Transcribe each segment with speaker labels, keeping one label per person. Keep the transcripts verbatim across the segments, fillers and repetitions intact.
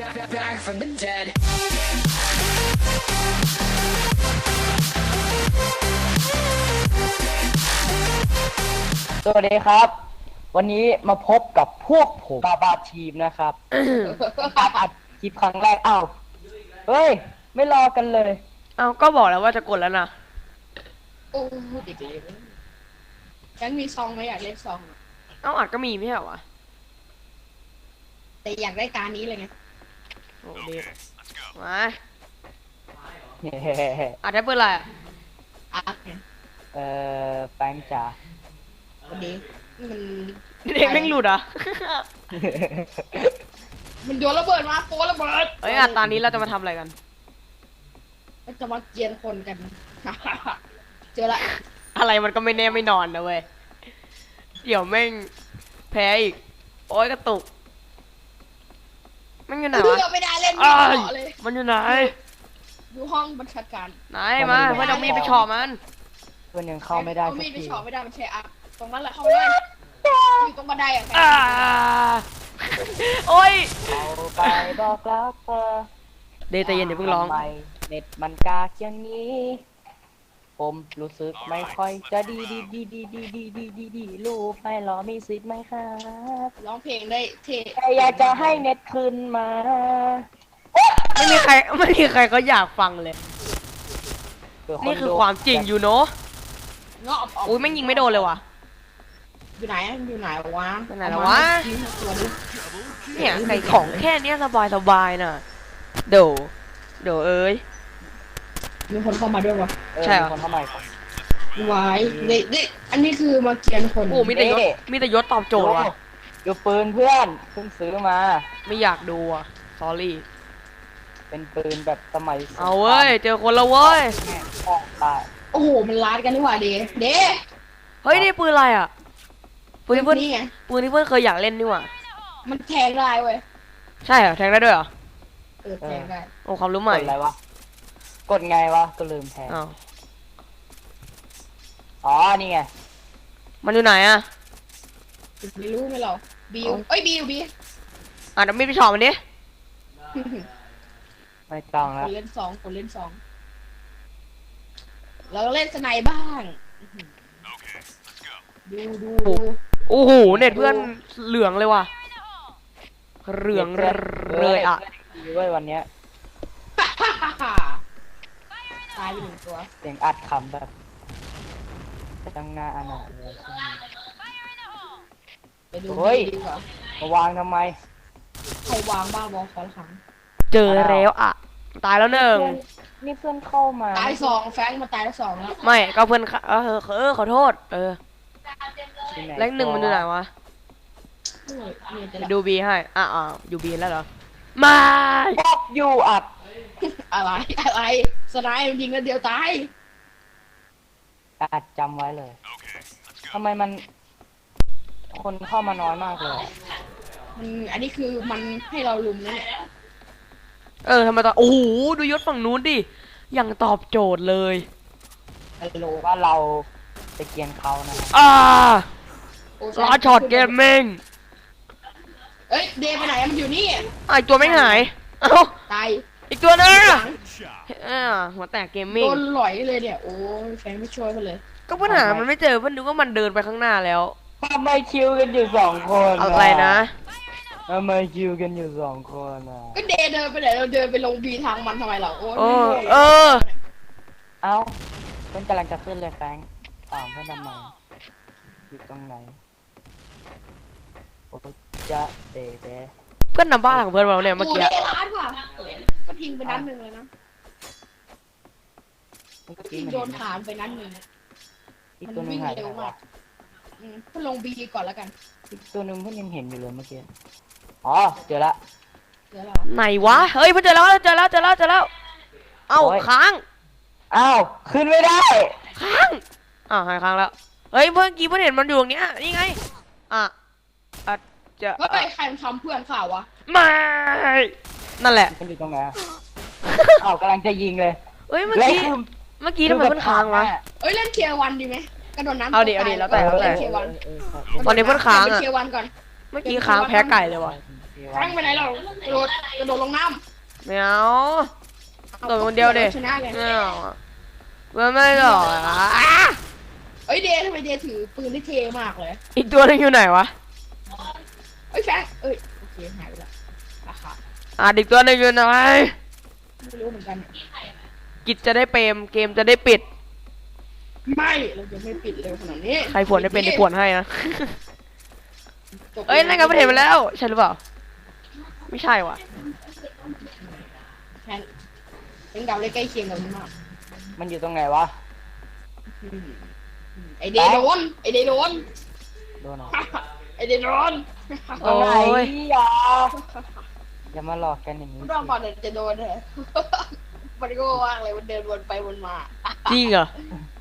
Speaker 1: back from the dead.
Speaker 2: สวัสดีครับวันนี้มาพบกับพวกผมบาบาทีมนะครับการอัดคลิปครั้งแรกอ้าวเฮ้ยไม่รอกันเลย
Speaker 3: เอาก็บอกแล้วว่าจะกดแล้วนะ
Speaker 4: โอ้ดีดีๆยังมีซองไหมอยากเล่นซองอะ
Speaker 3: เอาอัดก็มีไม่ใช่เหรอวะ
Speaker 4: แต่อยากได้การนี้เลยไง
Speaker 3: โอ้ดีมา
Speaker 2: เฮ้
Speaker 3: อัดได้เปิดอะไรอะ
Speaker 4: อาร์คไง
Speaker 2: เอ่อแป้งจ๋า
Speaker 4: วันนี้มัน
Speaker 3: เด็กแม่งหลุดอ่ะ
Speaker 4: มันโยนระเบิดมาโประเบิด
Speaker 3: เฮ้ยอัดตอนนี้เราจะมาทำอะไรกัน
Speaker 4: มันจะมาเกียนคนกัน เจอละ
Speaker 3: อะไรมันก็ไม่แน่ไม่นอนนะเว้ยเดี๋ยวแม่งแพ้อีกโอ้ยกระตุกมันอยู่ไหน
Speaker 4: เลื
Speaker 3: วะ
Speaker 4: อกไม่ได้เล่นไม่
Speaker 3: อ้า
Speaker 4: เห
Speaker 3: ย
Speaker 4: มาะเลย
Speaker 3: มันอยู่ไหน
Speaker 4: อยู่ห้องบัญชาการ
Speaker 3: ไหนมาเพื่อนเอามีดไปเฉาะมัน
Speaker 2: เพื่อนยังเข้าไม่ได้
Speaker 4: เอา
Speaker 2: สัก
Speaker 4: มีดไป
Speaker 2: ที
Speaker 4: เฉาะไม่ได้มันใช้อาร์คตรงนั้นแหละเข้าไม่ได้อยู่ตรงบันไดอะแฟน
Speaker 3: อ่าโอ้ย
Speaker 2: เอาไปบอกรักเธอ
Speaker 3: เดย์ใจเย็นอย่าเพิ่งร้อง
Speaker 2: ทำไมเน็ตมันกากอย่างนี้ ผมรู้สึกไม่ค่อยจะดีดีดีดีดีดีดีดีดีรูปไม่หรอมีสิทธิ์ไหมครับ
Speaker 4: ร้องเพลงได้เท่
Speaker 2: แต่อยากจะให้เน็ตคืนมา
Speaker 3: ไม่มีใครไม่มีใครเขาอยากฟังเลย
Speaker 2: เผื่
Speaker 3: นี่คือ
Speaker 2: ดู
Speaker 3: ความจริงอยู่เนาะ
Speaker 4: เงาะออก
Speaker 3: อุ้ยแม่งยิงไม่โดนเลยว่ะ
Speaker 4: อยู่ไหนอะอยู่ไหนวะ
Speaker 3: อยู่ไหนแล้ววะ
Speaker 4: เอามายิงตัวดิ
Speaker 3: เนี่ยไก่ของแค่เนี้ยสบายสบายน่ะเดี๋ยวเดี๋ยวเอ้ย
Speaker 4: มีคนเข้ามาด้วยวะ
Speaker 2: เออ
Speaker 3: ใช่เหรอ
Speaker 2: มีคนเข้ามาอีกคน
Speaker 4: วายเด็กเด็กอันนี้คือมาเกียนคน
Speaker 3: โอ้มีแต่ยศมีแต่ยศตอบโจทย์ว่ะ
Speaker 2: ดูปืนเพื่อนเพิ่งซื้อมา
Speaker 3: ไม่อยากดูอ่ะ sorry
Speaker 2: เป็นปืนแบบสมัยสงคราม
Speaker 3: เอาเว้ย เจอคนละเว้ย
Speaker 2: แม่งป้องตาย
Speaker 4: โอ้โห มันลาดกันนี่หว่าเดเด
Speaker 3: เฮ้ย นี่ปืนอะไรอ่ะ ปืนที่เพื่อน
Speaker 4: นี่ไง
Speaker 3: ปืนที่เพื่อนเคยอยากเล่นนี่หว่า
Speaker 4: มันแทงได้เว้ย
Speaker 3: ใช่เหรอ แทงได้ด้วยเหรอ
Speaker 4: เออแทงได้
Speaker 3: โอ้ความรู้
Speaker 2: ก
Speaker 3: ใหม่
Speaker 2: ดอะไรวะ กดไงวะ ก็ลืมแทน
Speaker 3: อ้าว
Speaker 2: อ๋อ นี่ไง
Speaker 3: มันอยู่ไหนอ่ะ
Speaker 4: ไม่รู้ไหมเราบิวเอ้ยบิวบิว
Speaker 3: อ่ะเดี๋ยวมีดไปเฉาะมันดิ
Speaker 2: ไม่ต้อง
Speaker 4: ค
Speaker 2: แล้ว
Speaker 4: นเล่นสองคนเล่นสองเราเล่นสไนบ้างดูดูดู
Speaker 3: โอ้โห เน็ตเพื่อนเหลืองเลยว่ะ เหลืองเลยอ่ะ
Speaker 2: ดีเว้ยวันเนี้ย
Speaker 4: ตายไปหนึ่งตัว
Speaker 2: เสียงอัดคำแบบตั้งหน้าอนาถเลย
Speaker 4: ไปดู
Speaker 2: เฮ้ย
Speaker 4: ดีกว่าม
Speaker 2: าวางทำไม
Speaker 4: ใครวางบ้าบอคอนขัง
Speaker 3: เจอแล้วอ่ะ ตายแล้วหนึ่ง
Speaker 2: เพื่อนนี่เพื่อนเข้ามา
Speaker 4: ตายสองแฟงมาตายแล้วสองแล้ว
Speaker 3: ไม่ก็เพื่อนค่ะเออเออขอโทษ เออ
Speaker 2: ที่ไหน
Speaker 3: แรงหนึ่งมันอยู่ไหนวะ
Speaker 4: โอ้ยเนี่ยจะ
Speaker 3: ไป
Speaker 4: ละ
Speaker 3: ดูบีให้อ่ะอ่ะอยู่บีแล้วเหรอ ไม่
Speaker 2: บอกอยู่อัด
Speaker 4: อะไรอะไรสไนด์ยิงกันเดียวตาย
Speaker 2: อัดจำไว้เลยทำไมมัน คนเข้ามาน้อยมากเลย
Speaker 4: มันอันนี้คือมันให้เราลุมนะเนี่ย
Speaker 3: เออทำไมตอนโอ้โหดูยศฝั่งนู้นดิยังตอบโจทย์เลย
Speaker 2: ฮัลโหลว่าเราจะเกรียนเขานะ
Speaker 3: อ่า
Speaker 4: โอ้
Speaker 3: ล้อช็อตเกมมิ่ง
Speaker 4: เอ้ยเดย์ไปไหนมันอยู่นี่
Speaker 3: อ่ะอีกตัวไม่หายเอ้า
Speaker 4: ตาย
Speaker 3: อีกตัวนึง
Speaker 4: หลัง
Speaker 3: อ่าหัวแตกเกมมิ่
Speaker 4: โด
Speaker 3: ง
Speaker 4: นหลอยเลยเนี่ยโอ้ยแฟนไม่ช่วยมันเลย
Speaker 3: ก็ปัญหามันไม่เจอเพื่อนนึกว่ามันเดินไปข้างหน้าแล้ว
Speaker 2: ทำไมคิวกันอยู่สองคน
Speaker 3: อะไรนะ
Speaker 2: ทำไมคิวกันอยู่สองคนอ่ะ
Speaker 4: ก็เดย์เดินไปไหนเราเดินไปลงบีทางมันทำไมเราโอ้ย
Speaker 3: โอ้
Speaker 4: ไม่รู้
Speaker 3: เออ
Speaker 2: เอ้าเพื่อนกำลังจะขึ้นเลยแฟรงค์ถามเพื่อนทำไมอยู่ตรงไหนโอ้จะเดเด
Speaker 3: เพื่อนนำบ้านของเพื่อนเราเนี่ยเมื่อ
Speaker 4: โอ้
Speaker 3: กี้
Speaker 4: เดย์ร้านว่ะก็ทิ้งไปนัดหนึ่งเลยนะ
Speaker 2: เมื่อ
Speaker 4: ก็
Speaker 2: กี้
Speaker 4: ทิ้ง
Speaker 2: มัน
Speaker 4: โดนฐานไปนัดหนึ่ง
Speaker 2: อีก
Speaker 4: มัน
Speaker 2: ตัวหนึง
Speaker 4: วิ่ง
Speaker 2: หายไป
Speaker 4: เร็
Speaker 2: ไห
Speaker 4: วน มาว
Speaker 2: ะ
Speaker 4: กอืมก็ลงบีก่อนแล้วกัน
Speaker 2: อีกตัวหนึงเพื่อนยังเห็นอยู่เลยเมื่อกี้อ๋อเจอละ
Speaker 4: เดี๋ยวเรา
Speaker 3: ไหนวะเฮ้ยเพื่อนเจอแล้วเจอแล้วเจอแล้วเจอแล้วเอ้า
Speaker 2: โอ้ย
Speaker 3: ค้าง
Speaker 2: อ้าวขึ้นไม่ได้
Speaker 3: ค้างอ่าวหายค้างแล้วเฮ้ยเพื่อนกี้เพื่อนเห็นมันอยู่ตรงเนี้ยนี่ไงอ่ะอ่ะจะ
Speaker 4: เฮ้ยใครมันทำเพื่อนข่าววะ
Speaker 3: ไม่นั่นแหละ
Speaker 2: มันอยู่ตรงไหนอะ อ้าวกำลังจะยิงเลย
Speaker 3: เฮ้ยเมื่อ
Speaker 2: แล้ว
Speaker 3: กี้
Speaker 2: คือ
Speaker 3: เมื่อกี้ทำไมเพื่อนค้างวะ
Speaker 4: เอ้ยเล่นเคียร์วันดีไหมกระโดดน้ำ
Speaker 3: เอาดิเอาดิแล้วแต่แล้วแต่
Speaker 4: เล่นเคียร์วัน
Speaker 3: ตอนนี้เพื่อนค้างอะ
Speaker 4: เล่นเคียร์วันก่อน
Speaker 3: เมื่อกี้ค้างแพ้ไก่เลยว่ะ
Speaker 2: โอเค
Speaker 4: แฟงไปไหนเรากระโดดกระโดดลงน้
Speaker 3: ไม่เอา
Speaker 4: ำ
Speaker 3: โดดคนเดียวดิ
Speaker 4: ชนะเลย
Speaker 3: ไม่เอาอะเพื่อนไม่หรอกอ่ะ
Speaker 4: เอ้ยเดย์ทำไมเดย์ถือปืนได้เท่มากเลย
Speaker 3: อีกตัวนึงอยู่ไหนวะ
Speaker 4: เอ้ยแฟงเอ้ยโอเคหายไปละราคา
Speaker 3: อ่ะอีกตัวนึงอยู่ไหน
Speaker 4: ไม่รู้เหมือนกัน
Speaker 3: กิจจะได้เปรมเกมจะได้ปิด
Speaker 4: ไม่เราจะไม่ปิดเร็วขนาดนี้
Speaker 3: ใครผวนได้เป็นได้ผวนให้นะ เอ้ยนั่นก็ไม่เห็นไปแล้ว ใช่หรือเปล่า ไม่ใช่ว่ะ
Speaker 4: แฟนเป็นดาวเลยใกล้เคียงกันมาก
Speaker 2: มันอยู่ตรงไหนวะ
Speaker 4: อืมไอเดย์โดนไอเดย์โดน
Speaker 2: โดนเหรอ
Speaker 4: ไอเดย์โดน
Speaker 2: ตรงไหน
Speaker 3: โอ้ย
Speaker 2: อย่าอย่ามาหลอกกันอย่างนี้
Speaker 4: รอบก่อนเดี๋ยวจะโดนเลยมันก็ว่างเลยมันเดินวนไปวนมา
Speaker 3: จริงเหรอ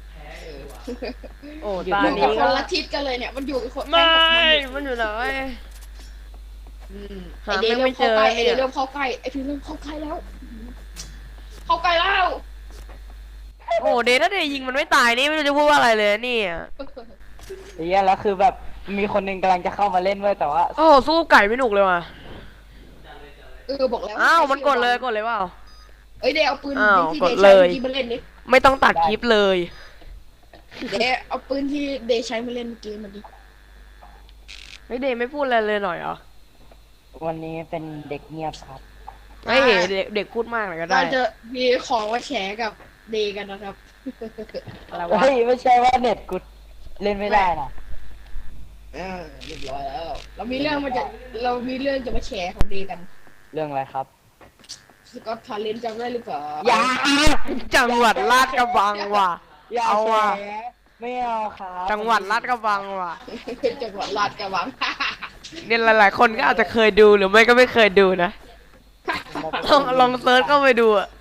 Speaker 3: โอ้ตา
Speaker 4: อยู่
Speaker 3: นี้
Speaker 4: กับค
Speaker 3: ก็
Speaker 4: นละทิศกันเลยเนี่ยมันอยู่กับคน
Speaker 3: ไม่
Speaker 4: แฟนกับ
Speaker 3: มันอยู่ไหน
Speaker 4: อืม
Speaker 3: หา
Speaker 4: ไอเดย์
Speaker 3: ไม่
Speaker 4: เริ่มเข้าใกล้
Speaker 3: เจอ
Speaker 4: ไอเดย์เริ่มเข้าใกล้ไอพีเริ่มเข้าใกล้แล้ว เข้าใกล้แล้ว
Speaker 3: โอ้เดย์ถ้าเดย์ยิงมันไม่ตายนี่ไม่รู้จะพูดว่าอะไรเลยเนี่ย
Speaker 2: ไอ้เหี้ยแล้วคือแบบมีคนหนึงกำลังจะเข้ามาเล่นเว้ยแต่ว่า
Speaker 3: โอ้สู้ไก่ไม่หนุกเลยว่ะ
Speaker 4: เออบอกแล้ว
Speaker 3: อ้าวมันกดเลยกดเลยเปล่า
Speaker 4: เอ้ยเดย์เอาปืน
Speaker 3: อ้าว
Speaker 4: ที่
Speaker 3: ก
Speaker 4: เด
Speaker 3: ด
Speaker 4: ย์
Speaker 3: เล
Speaker 4: ใช้
Speaker 3: ย
Speaker 4: เมื่อกี้มาเล่นดิ
Speaker 3: ไม่ต้องตัดคลิปเลย
Speaker 4: เดย์เอาปืนที่เดย์ใช้มาเล่นเมื่อกี้มาดิ
Speaker 3: เฮ้ยเดย์ไม่พูดอะไรเลยหน่อยเหรอ
Speaker 2: วันนี้เป็นเด็กเงียบครับ
Speaker 3: เฮ้ยเด็กเด็กพูดมากหน่อยก็ได้
Speaker 4: เราจะมีของมาแชร์กับเดย์กันนะครับ
Speaker 3: อะไรวะ
Speaker 2: เฮ้ยไม่ใช่ว่าเน็ตกูเล่นไม่ได้นะ
Speaker 4: เออเรียบร้อยแล้ว เรามีเรื่องมาจะเรามีเรื่องจะมาแชร์ของเดย์กัน
Speaker 2: เรื่องอะไรครับ
Speaker 4: สกอตทาเลนจำได้หรือเปล่า
Speaker 2: อย่า
Speaker 3: จังหวัดลาดกระบังว่ะ
Speaker 2: อย่า
Speaker 3: เอาว่ะ
Speaker 2: แฉไม่เอาครับ
Speaker 3: จังหวัดลาดกระบังว่ะ
Speaker 4: จังหวัดลาดกระบัง
Speaker 3: เนี่ยหลายๆคนก็อาจจะเคยดูหรือไม่ก็ไม่เคยดูนะลองลองเซิร์ชเข้าไปดูอะ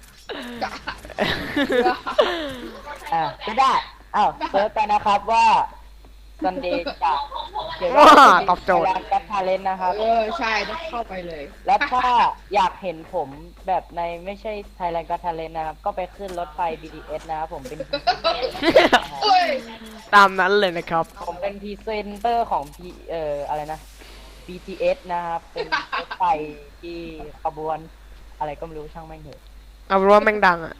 Speaker 2: อ่ะก็ได้อ้าวเซิร์ชไปนะครับว่าซันเดย์จะเกี่ยว
Speaker 3: ว้า
Speaker 2: กับ
Speaker 3: ตอบโจทย์
Speaker 2: การกัดทาเลนนะครับ
Speaker 4: เออใช่ต้องเข้าไปเลย
Speaker 2: แล้วถ้าอยากเห็นผมแบบในไม่ใช่ Thailand Got Talent นะครับ ก็ไปขึ้นรถไฟ บี ที เอส นะครับผมเป็น
Speaker 4: โอ้ย
Speaker 3: ตามนั้นเลยนะครับ
Speaker 2: ผมเป็นพรีเซนเตอร์ของ P เอ่ออะไรนะ บี ที เอส นะครับ เป็นรถไฟที่ขบวนอะไรก็ไม่รู้ช่างแม่งเถอะ
Speaker 3: เอาเป็นว่าแม่งดังอะ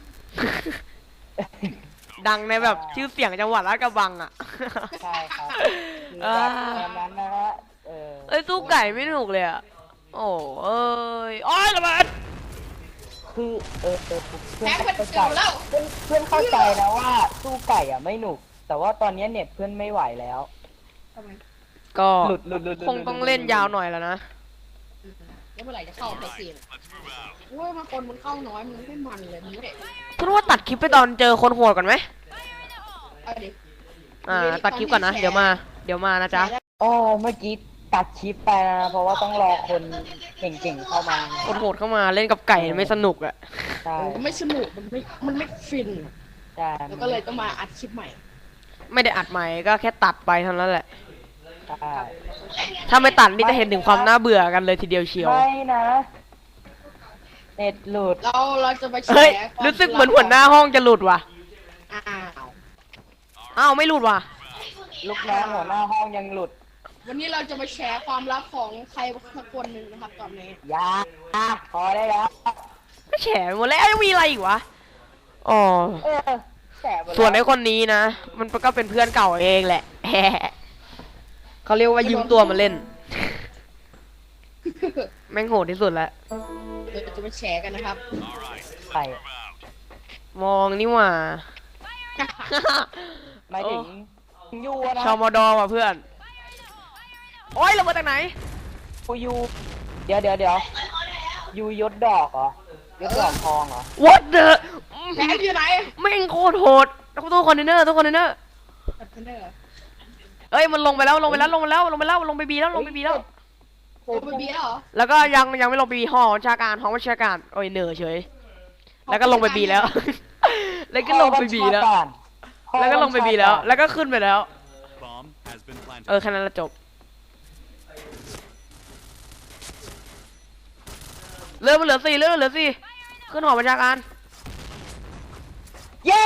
Speaker 3: ดังในแบบชื่อเสียงจังหวัดลาดกระบังอะ
Speaker 2: ใช่ครับคือแบบตอนนั้นนะฮะเออ
Speaker 3: เอ้ยสู้ไก่ไม่ถูกเลยอะโอ้เอ้ยโอ้ยระเบิด
Speaker 2: คือเออเออเพื่
Speaker 4: แพ้
Speaker 2: อน
Speaker 4: มัน
Speaker 2: เข้า
Speaker 4: เจ
Speaker 2: ใจ
Speaker 4: อแล้ว
Speaker 2: เพื่อนเพื่อนเข้าใจนะว่าสู้ไก่อ่ะไม่หนุก แต่ว่าตอนนี้เน็ตเพื่อนไม่ไหวแล้ว
Speaker 4: ทำไม
Speaker 3: ก็
Speaker 2: หลุดหลุดหลุดหลุด
Speaker 3: คงต้องเล่นยาวหน่อยแล้วนะ
Speaker 4: แล้วเมื่อไหร่จะเข้าไปเสียงโอ้ยมาคนมันเข้าน้อยมันไม่มันเลยมันไม่
Speaker 3: พูดว่าตัดคลิปไปตอนเจอคนโหดก่อนไหม
Speaker 4: เอาดิ
Speaker 3: อ่า ตัดคลิปก่อนนะ เดี๋ยวมา เดี๋ยวมานะจ๊ะ
Speaker 2: อ๋อเมื่อกี้ตัดคลิปไปนะเพราะว่าต้องรอคนเก่งๆเข้ามา
Speaker 3: คนโหดเข้ามาเล่นกับไก่ไม่สนุกอะ
Speaker 2: ใช่
Speaker 4: มันไม่สนุกมันไม่มันไม่ฟิน
Speaker 2: ใช่
Speaker 4: แล้วก็เลยต้องมาอัดคลิปใหม่
Speaker 3: ไม่ได้อัดใหม่ก็แค่ตัดไปเท่านั้นแหละ
Speaker 2: ใช่
Speaker 3: ถ้าไม่ตัดนี่จะเห็นถึงความน่าเบื่อกันเลยทีเดียวเชียว
Speaker 2: ไม่นะเน็ตหลุด
Speaker 4: เราเราจะไปแช
Speaker 3: เฮ้ย
Speaker 4: ร์ความ
Speaker 3: รู้สึกเหมือนหัวหน้าห้องจะหลุดว่ะ
Speaker 4: อ้าว
Speaker 3: อ้าวไม่หลุดว่ะ
Speaker 2: ลูกน้องหัวหน้าห้องยังหลุด
Speaker 4: วันนี้เราจะมาแชร์ความลับของใครสักคนหนึ่งนะครับตอนนี้
Speaker 2: อยาพอได้แล้ว
Speaker 3: ไม่แฉหมดแล้วยังมีอะไรอีกวะ อ๋อ
Speaker 2: เออแสบหมดแล้ว
Speaker 3: ส่วนไอ้คนนี้นะ มันก็เป็นเพื่อนเก่าเองแหละ แฮะเขาเรียกว่ายืมตัวมาเล่น แม่งโหดที่สุดแล้ว
Speaker 4: เราจะมาแชร์กันนะครับ
Speaker 2: ใคร
Speaker 3: มองนี่หว่า
Speaker 2: หมายถึงยูอะนะ
Speaker 3: ชาวมอดอว่ะเพื่อน โอ้ยเรามาจากไหน
Speaker 2: กูยูเดี๋ยวเดี๋ยวเดี๋ยวยูยศดอกเหรอ ยศดอกทองเหรอ
Speaker 3: What the
Speaker 4: แชร์อยู่ไหน
Speaker 3: แม่งโคตรโหดตู้คอนเทนเนอร์ตู้คอนเทนเนอร์
Speaker 4: คอนเทนเนอร์
Speaker 3: เอ้ยมันลงไปแล้วลงไปแล้วลงไปแล้วลงไปแล้วลงไปบีแล้วลงไปบีแล้ว
Speaker 4: โอ้เป็นเบียร์เหรอ
Speaker 3: แล้วก็ยังยังไม่ลงไปบีหอบัญชาการหอบัญชาการโอ้ยเหนื่อยเฉย แล้วก็ลงไปบีแล้ว แล้วก็ลงไปบีแล้ว แล้วก็ลงไปบีแล้ว แล้วก็ขึ้นไปแล้ว
Speaker 1: Bomb has been planted.
Speaker 3: เออแค่นั้นละจบ เริ่มมันเหลือสี่เริ่มมันเหลือสี่ขึ้นหอบัญชาการ
Speaker 2: เย้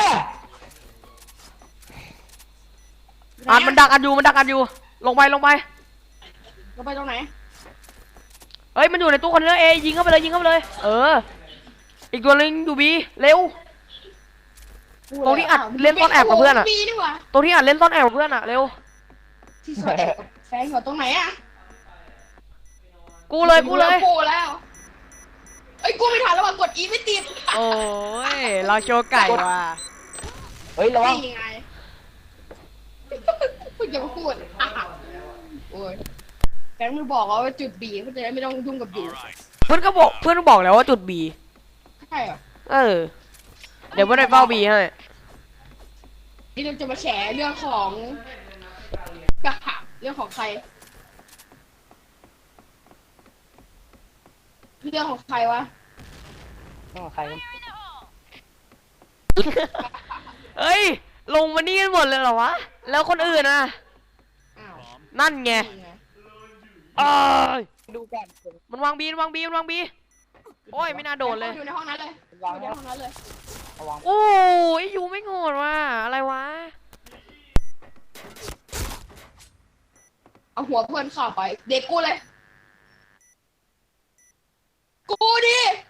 Speaker 3: อ่านมันดักอันอยู่มันดักอันอยู่ ลงไปลงไป
Speaker 4: เราไปตรงไหน
Speaker 3: เอ้ยมันอยู่ในตู้คอนเทนเนอร์เอยิงเข้าไปเลยยิงเข้าไปเลยเอออีกตัวนึงอยู่บีเร็ว ตรงที่อัดเล่นซ่อนแอบกับเพื่อนอะ
Speaker 4: มีนี่หว่า
Speaker 3: ตัวที่อ่านเล่นซ่อนแอบกับเพื่อนอะเร็ว
Speaker 4: ที่ซ่อนแอบกับแฟนอยู่ตรงไหนอะ
Speaker 3: กูเลยกูเลย
Speaker 4: กูแล้วเอ้ยกูไม่ทันแล้วว่ะกดอีไม่ติด
Speaker 3: โอ้ยเราโชว์ไก่ว่ะ
Speaker 2: เฮ้ยระวัง
Speaker 4: นี่ไงพูดอย่ามาพูดอ่ะโอ้ยแฟนมึงบอกว่าจุดบีเขาจะได้ไม่ต้องยุ่งกับบี
Speaker 1: All right.
Speaker 3: เพื่อนก็บอกเพื่อนก็บอกแล้วว่าจุดบี
Speaker 4: ใช่เหรอ
Speaker 3: เออเดี๋ยวเพื่อนไปเฝ้าบีให้
Speaker 4: นี่เราจะมาแฉเรื่องของกะหักเรื่องของใคร เรื่องของใครวะ
Speaker 2: น้องใคร
Speaker 3: เอ้ยลงมานี่กันหมดเลยเหรอวะแล้วคนอื่นอะ
Speaker 4: อ้าว
Speaker 1: Bomb
Speaker 3: นั่นไง
Speaker 4: นี่ไง
Speaker 3: เอ้ย
Speaker 2: ดูกัน
Speaker 3: มันวางบีมันวางบีมันวางบีโอ้ยไม่น่าโดนเลย
Speaker 4: อยู่ในห้องนั้นเลยอยู่ในห้องนั้นเลย
Speaker 2: ระวัง
Speaker 3: โอ้ยยูไม่โงดว่ะอะไรวะ
Speaker 4: เอาหัวเพื่อนเข้าไป เด็กกูเลย กูดิ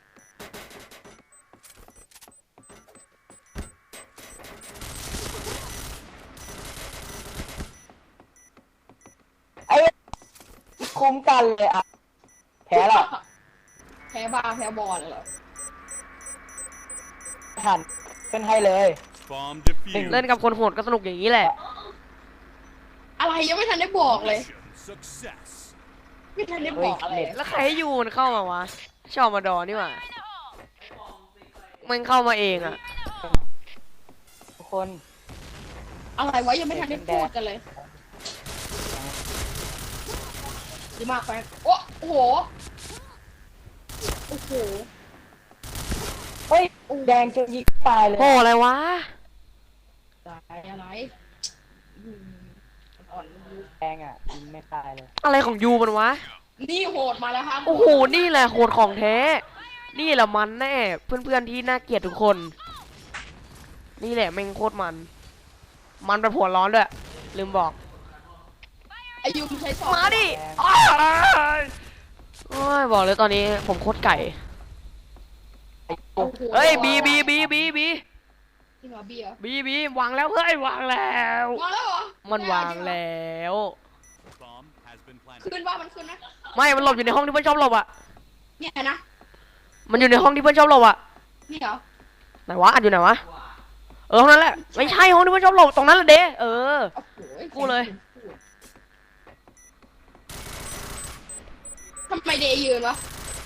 Speaker 2: ไอ้คุ้มกันเลยอ่ะแพ้แล้ว
Speaker 4: แพ้บาแพ้บอลเหรอ
Speaker 2: ทันขึ้นให้เลย
Speaker 1: Bomb defused.
Speaker 3: เล่นกับคนโหดก็สนุกอย่างนี้แหละ
Speaker 4: อะไรยังไม่ทันได้บอกเลย
Speaker 1: Mission success.
Speaker 4: ไม่ทันได้บอกอะไร
Speaker 3: แล้วใครให้ยูมันเข้ามาวะชอบมาดอนี่หว่ามันเข้ามาเองอะ
Speaker 2: ทุกคน
Speaker 4: อะไรวะยังไม่ทันได้พูดกันเลยดีมากแฟนโอ้โอ้โห โอ้โห
Speaker 2: เฮ้ยแดงจนยิงตายเลย
Speaker 3: โอ้อะไรวะ
Speaker 4: อะไรอะไรอืมอ่อน
Speaker 2: แดงอ่ะยิงไม่ตายเลย
Speaker 3: อะไรของยูมันวะ
Speaker 4: นี่โหดมาแล้วครับ
Speaker 3: โอ้โหนี่แหละโหดของแท้ นี่แหละมันแน่เพื่อนๆที่น่าเกลียดทุกคน นี่แหละแม่งโคตรมัน มันแบบหัวร้อนด้วยลืมบอก
Speaker 4: อายุใช้สอง
Speaker 3: มาดิอ้ายโอ้ยบอกเลยตอนนี้ผมโคตรไก่
Speaker 2: ไอ้
Speaker 4: โอ้
Speaker 2: ปุ๊บ
Speaker 4: โห
Speaker 3: เฮ้ยบีบีบีบีบี
Speaker 4: จริงเหรอเบียร์
Speaker 3: บีบีวางแล้วเฮ้ยวางแล้ว
Speaker 4: วางแล้วเหรอ
Speaker 3: มันวางแล้ว
Speaker 1: Bomb has been planted.
Speaker 4: ขึ้นว่ามันขึ้นนะ
Speaker 3: ไม่มันหลบอยู่ในห้องที่เพื่อนชอบหลบอ่ะ
Speaker 4: เนี่ยนะ
Speaker 3: มันอยู่ในห้องที่เพื่อนชอบหลบอ่ะ
Speaker 4: นี่เหรอ
Speaker 3: ไหนวะอัดอยู่ไหนวะเออห้องนั้นแหละไม่ใช่ห้องที่เพื่อนชอบหลบตรงนั้นแหละเด้เออ
Speaker 4: โอ้โห
Speaker 3: กูเลย
Speaker 4: ทำไมเดย์ยืนวะ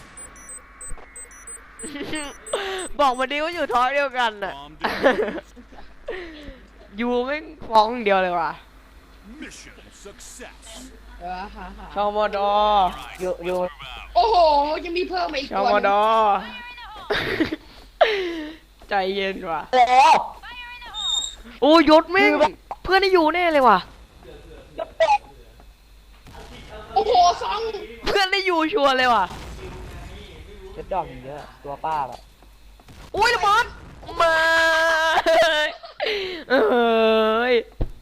Speaker 3: บอกมาดิว่าอยู่ท้องเดียวกันน่ะ
Speaker 1: Bomb defused.
Speaker 3: ยูไม่งฟ้องเดียวเลยว่ะ
Speaker 1: Mission success.
Speaker 4: เออฮ่าฮ่า
Speaker 3: ชอมอดอ
Speaker 1: All right.
Speaker 2: อยู่อยู่
Speaker 1: Move out.
Speaker 4: โอ้โหยังมีเพิ่มมาอีก
Speaker 3: ชอ
Speaker 4: ตัว
Speaker 3: มอ
Speaker 4: ห
Speaker 3: ด
Speaker 4: นึ่ง
Speaker 3: อ ใจเย็นว่ะ
Speaker 2: แล้ว
Speaker 3: โอ้ยศแม่งเพื่อนได้อยู่แน่เลยว่ะ
Speaker 4: โอ้โหสอง
Speaker 3: เพื่อนได้อยู่ชัวร์เลยว่ะ
Speaker 2: เจ็ดดอกอย่างเยอะตัวป้าแบบ
Speaker 3: อุ้ยระเบิดมาเอ้ย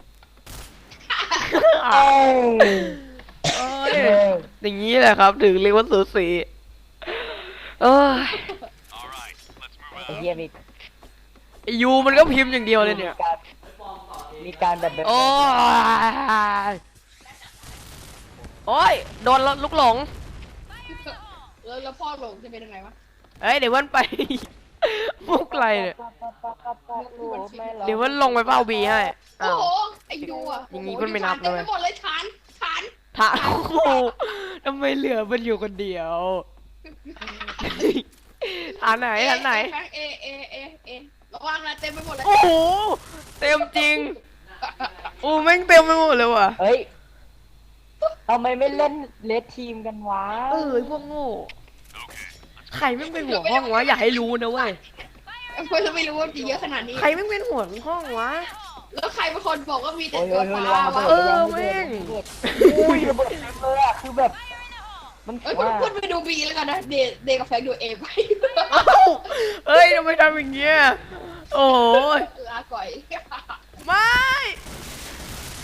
Speaker 2: เอ้ย
Speaker 3: เอ้ยอย่างนี้แหละครับ ถึงเรียกว่าสูสีเอ้ย
Speaker 1: All right. Let's move
Speaker 2: ไอ้
Speaker 1: out.
Speaker 2: เหี้ยมี
Speaker 3: ไอ้ยูมันก็พิมพ์อย่างเดียวเลยเนี่ย
Speaker 2: มีการมีการแบบแบบ
Speaker 3: โอ้ยโอ้ยโดนลูกหลง
Speaker 4: แล้วแล้วพ่อหลงจะเป็นยังไงวะ
Speaker 3: เอ้ยเดี๋ยวมันไป มุกอะไรเนี่ย เดี๋ยวมันลงไปเฝ้าบีให้
Speaker 4: โอ้
Speaker 3: อ้าว
Speaker 4: โหไอ้ยูอ่ะ
Speaker 3: อย่างงี้ก็ไม่นับ
Speaker 4: เต็ม
Speaker 3: เล
Speaker 4: ไป
Speaker 3: ย
Speaker 4: หมดเลยฐานฐาน
Speaker 3: ถามโอ้โหทำไมเหลือมันอยู่คนเดียวฐานไหนฐานไหน
Speaker 4: เอเอเอเอระวังนะเต็มไปหมดเลย
Speaker 3: โอ้โหเต็มจริงโอ้แม่งเต็มไปหมดเลยว่ะ
Speaker 2: เฮ้ยทำไมไม่เล่นเลดทีมกันวะ
Speaker 3: เออไอ้พวกโง่ใครแม่งเป็นหัวห้องวะอย่าให้รู้นะเว้ย
Speaker 4: เพื่อนไม่รู้ว่ามีเยอะขนาดนี้
Speaker 3: ใครแม่งเป็นหัวห้องวะ
Speaker 4: แล้วใครเป็นคนบอกว่ามีแต่
Speaker 2: โอ้ย
Speaker 4: ตั
Speaker 2: โอ้
Speaker 4: วย ฟ้า
Speaker 2: ระวังระ
Speaker 4: วะ
Speaker 2: เบิด
Speaker 3: เออ
Speaker 2: ระวังระเบิด
Speaker 3: แม่ง
Speaker 2: อุ้ยระเบิดเต็มเลยอะคือแบบ มัน
Speaker 4: เอ้ย
Speaker 2: ว่า
Speaker 4: พูดไปดูบีแล้วกันนะเดเดกับแฟงดูเอไป
Speaker 3: เอ้าเอ้ยทำไมทำอย่างเงี้ยโอ้ย
Speaker 4: ลาก่อย
Speaker 3: ไม่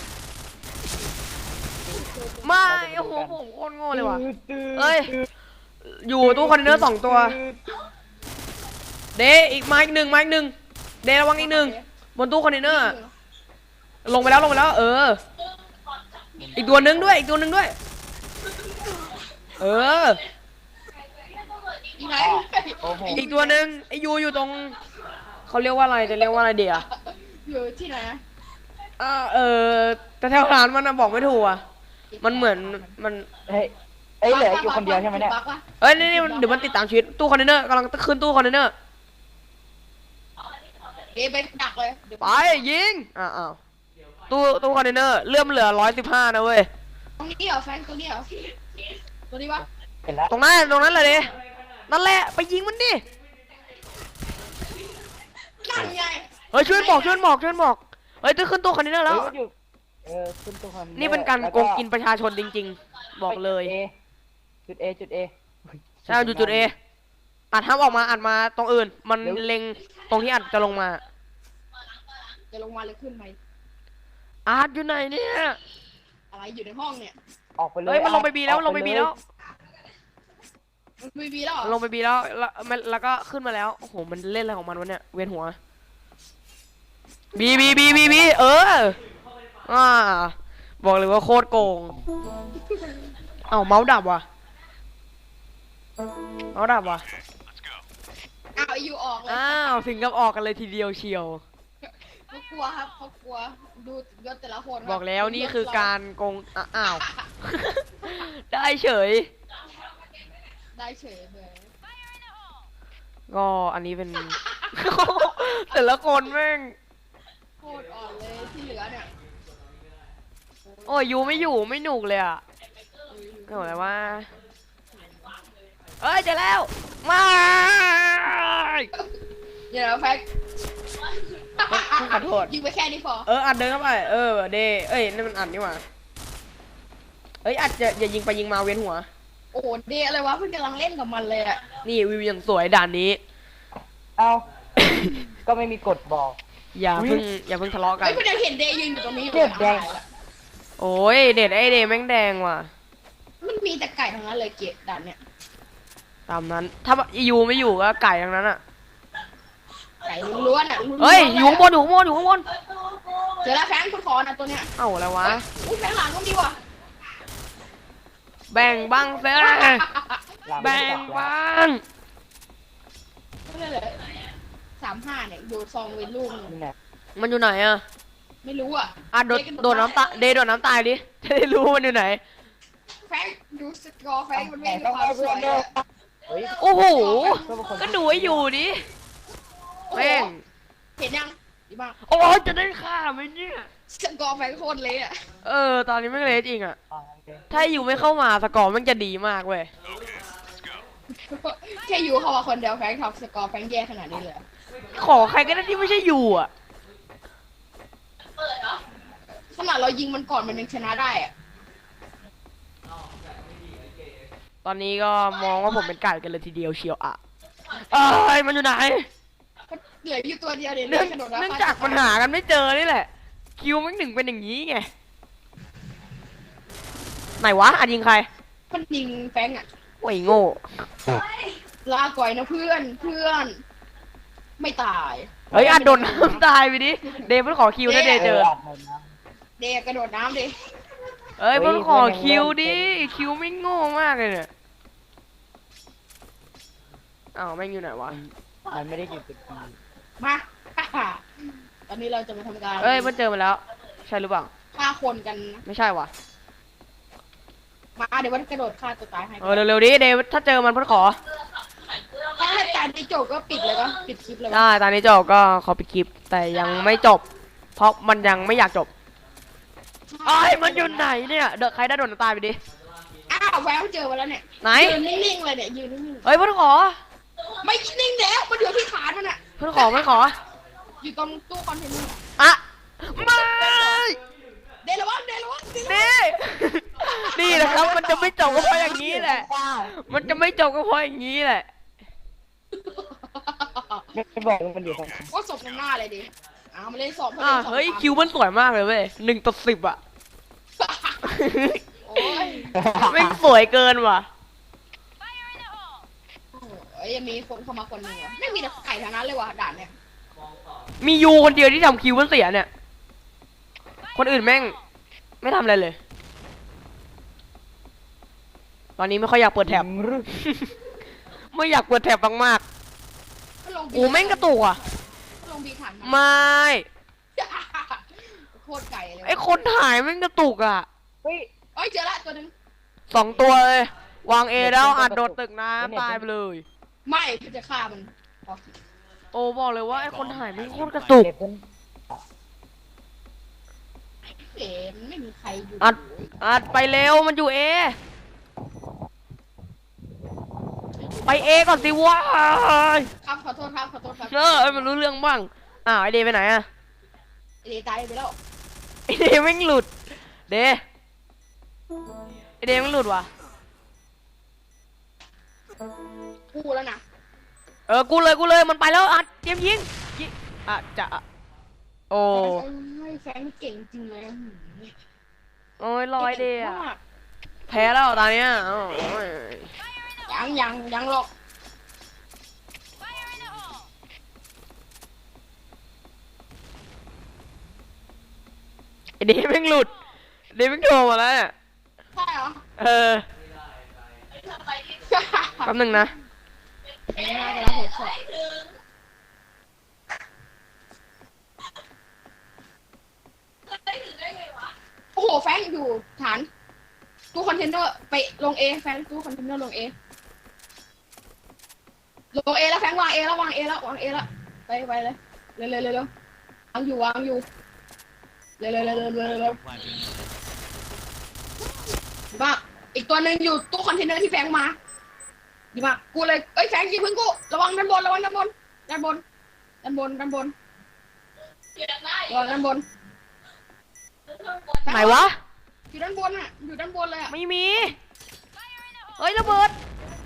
Speaker 3: ไม่โอ้โหผมโคตรโง่เลยว่ะ เอ้ยอยู่ตู้คอนเทนเนอร์สองตัว เดอีกมาอีกหนึ่งมาอีกหนึ่งเดระวังอีกหนึ่งบนตู้คอนเทนเนอร์ ลงไปแล้วลงไปแล้ว เออ อีกตัวหนึงด้วย อีกตัวหนึงด้วย เออ
Speaker 4: อีไหน
Speaker 2: โอ้โห
Speaker 3: อีกตัวหนึงไอยูอยู่ตรงเขาเรียกว่าอะไรจะเรียกว่าอะไรเดียว
Speaker 4: อยู่ที่ไหนนะ
Speaker 3: อ่าเออแต่แถวร้านมันนะบอกไม่ถูกอ่ะมันเหมือนมัน
Speaker 2: เฮ้ยเอ้ยเหลืออยู่คนเดียวใช่ไหมเนี่ย
Speaker 4: บักปะ
Speaker 3: เอ้ยนี่นี่เดี๋ยวมันติดตามชีวิตตู้คอนเทนเนอร์กำลังขึ้นตู้คอนเทนเนอร์
Speaker 4: เดี๋ยวไปดักเลยเดี๋ยว
Speaker 3: ไปยิงอ้าวอ้าวตู้ตู้คอนเทนเนอร์เลื่อมเหลือร้อยสิบห้านะเว้ย
Speaker 4: ตรงนี้เหรอแฟนตรงนี้เหรอตัวนี้ปะ
Speaker 2: เห็นแล้ว
Speaker 3: ตรงนั้นตรงนั้นเลยดินั่นแหละไปยิงมันดิ
Speaker 4: นั่นไง
Speaker 3: เฮ้ยช่วยบอกช่วยบอกช่วยบอกเฮ้ยตู้ขึ้นตู้คอนเทนเนอร์แล้ว
Speaker 2: เฮ้ยอยู่เออขึ้นตัวคอน
Speaker 3: นี่เป็นการโกงกินประชาชนจริงๆ บอกเลย
Speaker 2: จุด A จุด A
Speaker 3: ใช่จุดจุดเออัดห้ามออกมาอัดมาตรงอื่น มันเล็งตรงที่อัดจะลงมา
Speaker 4: จะลงมาหรือขึ้นไหม
Speaker 3: อัดอยู่ไหนเนี่ย
Speaker 4: อะไรอยู่ในห้องเนี่ย
Speaker 2: ออกไปเลย
Speaker 3: เฮ้ยมันลงไปบีแล้วลงไปบีแล้ว
Speaker 4: มันมีบีแล้วเหรอ
Speaker 3: ลงไปบีแล้วแล้วมันแล้วก็ขึ้นมาแล้ว โอ้โห มันเล่นอะไรของมันวะเนี่ย เวียนหัว บีบีบีบีบีเออ อ่า บอกเลยว่าโคตรโกง เอ้าเมาส์ดับว่ะ เมาส์ดับว่ะ
Speaker 1: Let's go.
Speaker 4: อ้าวอยู่ออกเลย
Speaker 3: อ้าวถึงกับออกกันเลยทีเดียวเชียว
Speaker 4: เขากลัวครับเขากลัวดูยศแต่ละคนครับ
Speaker 3: บอกแล้วนี่คือการโกงอ่ะอ้าว ได้เฉย
Speaker 4: ได้เฉยเลย
Speaker 3: ก็อันนี้เป็น แต่ละคนแม่ง
Speaker 4: โคตรอ่อนเลยที่เหลือเนี่ย
Speaker 3: โอ้ยยูไม่อยู่ไม่หนุกเลยอ่ะก็บอกเลยว่า เอ้ยเจอแล้วไม่
Speaker 4: เดี๋ยวนะแฟก
Speaker 3: ขอโทษ
Speaker 4: ยิงไปแค่นี้พอ
Speaker 3: เอออัดเดินเข้าไปเออเดเอ้ยนั่นมันอัดนี่หว่าเอ้ยอัดจะอย่ายิงไปยิงมาเวียนหัว
Speaker 4: โอ้โหเดอะไรวะเพิ่งกำลังเล่นกับมันเลยอะ
Speaker 3: นี่วิวอย่างสวยด่านนี้
Speaker 2: เอาก็ไม่มีกฎบอก
Speaker 3: อย่าเพิ่งอย่าเพิ่งทะเลาะกัน
Speaker 4: เฮ้ยเพิ่งจะเห็นเดยืนอยู่ตรงนี้อยู่
Speaker 2: เลือดแดง
Speaker 4: อะไรอะ
Speaker 3: โอ้ยเด็ดไอเดแม่งแดงว่ะ
Speaker 4: มันมีแต่ไก่ทั้งนั้นเลยเกะด่านเนี่ย
Speaker 3: ตามนั้นถ้ายูไม่อยู่ก็ไก่ทั้งนั้นอ่ะ
Speaker 4: ไก่ล้วนๆอะล้วนๆ
Speaker 3: เฮ้ยอยู่ข้างบนอยู่ข้างบนอยู่ข้างบน
Speaker 4: เจอแล้วแฟงคุณขอนะตัวเนี้ย
Speaker 3: เอ้าอะไรวะ
Speaker 4: อุ้ยแฟงหลังก็ดีว่ะ
Speaker 3: แบ่งบ้างเซ่
Speaker 2: หลัง
Speaker 3: แบ่
Speaker 2: ไม่
Speaker 3: ง
Speaker 2: จับแล้ว
Speaker 3: บ้าง
Speaker 4: ไม่ได้เลยสามห้าเนี่ยดูซองเป็นลูกหนึ่ง
Speaker 2: นี่แหละ
Speaker 3: มันอยู่ไหนอะ
Speaker 4: ไม่รู้อ่ะ
Speaker 3: อ่ะโดดโดดน้ำตาเดย์โดดน้ำตายดิจะได้รู้มันอยู่ไหน
Speaker 4: แฟงดูสกอร์แฟงมันไม่มีความสวยอะ
Speaker 2: เฮ้ย
Speaker 3: โอ้โห
Speaker 2: เพื่อนเป็นคน
Speaker 3: ก็ดูให้อยู่ดิ
Speaker 4: โอ้โห
Speaker 3: แม่ง
Speaker 4: เห็นยังดีมาก
Speaker 3: โอ้ยจะได้ฆ่าไหมเนี่ย
Speaker 4: สกอร์แฟงโคตรเละอะ
Speaker 3: เออ ตอนนี้ไม่งเละจริงอะ
Speaker 2: อ่าโอเค
Speaker 3: ถ้าอยู่ไม่เข้ามาสกอร์มันจะดีมากเว้ย
Speaker 4: แค่อยู่เข้ามาคนเดียวแฟงท็อปสกอร์แฟงแย่ขนาดนี้เลย
Speaker 3: ขอใครก็ได้ที่ไม่ใช่อยู่อะ
Speaker 4: ขนาดเรายิงมันก่อนมันยังชนะได้อะ
Speaker 3: ตอนนี้ก็มองว่าผมเป็นไก่กันเลยทีเดียวเชียวอะเอ้ยมันอยู่ไหน
Speaker 4: ก็เหลืออยู่ตัวเดียวเดี๋ยว
Speaker 3: เนื่อง
Speaker 4: กระโดดแล้ว
Speaker 3: เนื่องจากปัญหากันไม่เจอนี่แหละ คิวมันหนึ่งเป็นอย่างนี้ไง ไหนวะอันยิงใคร
Speaker 4: มันยิงแฟงอะ
Speaker 3: โอ้ยโง่
Speaker 4: ลาก่อยนะเพื่อนเพื่อน ไม่ตาย
Speaker 3: เฮ้ยอัดโดนน้ำตายไปดิ เดย์เพิ่งขอคิวถ้าเดย์เจอ
Speaker 2: อัดหมดนะ
Speaker 4: เดกระโดดน้ำดิ
Speaker 3: เอ้ย
Speaker 2: เฮ้ย
Speaker 3: เพิ่งขอ
Speaker 2: เพื่อนยัง
Speaker 3: คิว
Speaker 2: เล่น
Speaker 3: ดิ
Speaker 2: เป็น
Speaker 3: คิวไม่โง่มากเลยเนี่ย อ้าวแม่งอยู่ไหนวะ
Speaker 2: มันไม่ได้อยู่จุด B
Speaker 4: มา ตอนนี้เราจะมาทำการ
Speaker 3: เอ้ยมันเจอมาแล้ว ใช่หรือเปล่า
Speaker 4: ฆ่าคนกัน
Speaker 3: ไม่ใช่วะ
Speaker 4: มาเดี๋ยวมันกระโดดฆ่าตัวตายให้
Speaker 3: เออเร็วๆดิเดย์ถ้าเจอมันเพิ่งขอ
Speaker 4: ถ้าให้การที่จบก็ปิดเลยก็ปิดคลิปเลย
Speaker 3: ได้ตอนนี้จบก็ขอปิดคลิป แต่ยังไม่จบ เพราะมันยังไม่อยากจบไอ้ยมันอยู่ไหนเนี่ยเดอะใครได้โดนน้ำตายไปดิ
Speaker 4: อ้าวแววเจอมาแล้วเนี่ย
Speaker 3: ไหน
Speaker 4: ยืนนิ่งๆเลยเนี่ยยืนนิ่ง
Speaker 3: เฮ้ยเพิ่งขอ
Speaker 4: ๆไม่นิ่งแล้วมันอยู่ที่ฐานมันอะ
Speaker 3: เพิ่งขอเพิ่งขอ
Speaker 4: อยู่ตรงตู้คอนเทนเนอร์
Speaker 3: อะไม่
Speaker 4: เดลวังเดลวังเดลวัง
Speaker 3: นี่ นี่แหละครับ มันจะไม่จบก็เพราะอย่างนี้แหละ มันจะไม่จบก็เพราะอย่างนี้แหละ
Speaker 2: ไม่บอกว่ามันอยู่ตรงไหน
Speaker 4: ก็ศพหน้าเลยดิอ้าวมาเล่นสอบ
Speaker 3: อ่าเฮ้ยคิวมันสวยมากเลยเว้ยหนึ่งต่อสิบอะ
Speaker 4: โอ้ย
Speaker 3: ไม่งสวยเกินว่ะ
Speaker 4: อ้ยยังมีคนเข้ามาคนหนึ่งวะไม่มีแต่ไก่ทั้งนั้นเลยว่ะด่านเนี่ย
Speaker 3: มียูคนเดียวที่ทำคิวมันเสียเนี่ย คนอื่นแม่ง ไม่ทำอะไรเลย ตอนนี้ไม่ค่อยอยากเปิดแท็บ
Speaker 2: หรือ
Speaker 3: ไม่อยากเปิดแท็บมาก
Speaker 4: ก็ลง
Speaker 3: ๆโอ้แม่งกระตุกอ่ะ
Speaker 4: ก็ลงบีขัน
Speaker 3: ไม่
Speaker 4: โคตรไก่เลย
Speaker 3: ไอคนถ่ายแม่งกระตุกอ่ะ
Speaker 2: เฮ้ย
Speaker 4: เอ้ยเจอละตัวหนึง
Speaker 3: สองตัวเลย วางเอแล้วอัดโดดตึกน้ำตายไปเลย
Speaker 4: ไม่กูจะฆ่ามันออก
Speaker 3: โอ้บอกเลยว่าไอคนถ่ายแม่งโคตรกระตุก
Speaker 2: เด็กคน
Speaker 4: เอ๋มันไม่มีใครอยู่
Speaker 3: อัด อัดไปเร็วมันอยู่เอ ไปเอก่อนสิวะ
Speaker 4: ครับขอโทษครับขอโทษครับ
Speaker 3: เออให้มันรู้เรื่องบ้างอ้าวไอเดย์ไปไหนอะ
Speaker 4: เอ๋ตายไปแล้ว
Speaker 3: ไอเดย์แม่งหลุด เดย์ไอเดย์แม่งหลุดว่ะ
Speaker 4: กูแล้วนะ
Speaker 3: เออ กูเลยกูเลยมันไปแล้วอัดเตรียมยิงยิงอ่ะจะอ่ะโอ้
Speaker 4: เอ้ยแฟนเก่งจริงเลย
Speaker 3: โอ้ยลอยเดย์อะ
Speaker 4: ก่งมาก
Speaker 3: แพ้แล้วตอนเนี้ยโอ้ย
Speaker 4: ยังยังยังหรอก
Speaker 3: ไอเดย์แม่งหลุดเดย์แม่งโทรมาแล้วเนี่ย
Speaker 4: ใช่เหรอ
Speaker 3: เออแป๊บหนึงนะ
Speaker 4: ไม่น่าจะรับผิดชอบโอ้โหแฟนอยู่ฐานตู้คอนเทนเนอร์ไปลงเอแฟนตู้คอนเทนเนอร์ลงเอลงเอแล้วแฟนวางเอแล้ววางเอแล้ววางเอแล้วไปไปเลยเร็วเร็วเร็วเร็ววางอยู่วางอยู่เร็วเร็วเร็วเร็วเร็วเร็ว ดีมากอีกตัวหนึ่งอยู่ตู้คอนเทนเนอร์ที่แฟงมาดีมากกูเลยเอ้ยแฟงยิงพึ่งกูระวังด้านบนระวังด้านบนด้านบนด้านบนด้านบนระวังด้านบน
Speaker 3: ไหนวะ
Speaker 4: อยู่ด้านบนอ่ะอยู่ด้านบนเลยอ่ะ
Speaker 3: ไม่มี เฮ้ยระเบิด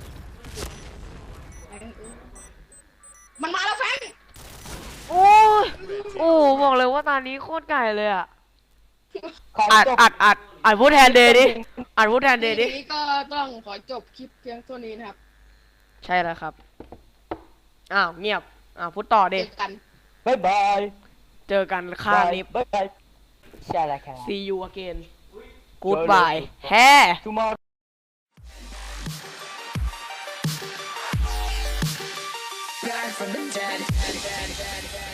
Speaker 4: มันมาแล้วแฟง
Speaker 3: โอ้ยโอ้บอกเลยว่าตอนนี้โคตรไก่เลยอ่ะ
Speaker 2: ขอ
Speaker 3: อัด
Speaker 2: จบ
Speaker 3: อัดอัดอัดพูดแทนเดย์ดิ อัดพูดแทนเดย์ดิ
Speaker 4: ทีนี้ก็ต้องขอจบคลิปเพียงเท่านี้นะครับ
Speaker 3: ใช่แล้วครับ อ้าวเงียบ อ้าวพูดต่อ
Speaker 4: เจ
Speaker 3: ดิ
Speaker 4: อกัน
Speaker 2: บ๊ายบาย
Speaker 3: เจอกันข้างนี้
Speaker 2: บ๊ายบายใช่แล้วครับ
Speaker 3: see you again goodbye แฮ่
Speaker 2: tomorrow
Speaker 5: Back from the dead.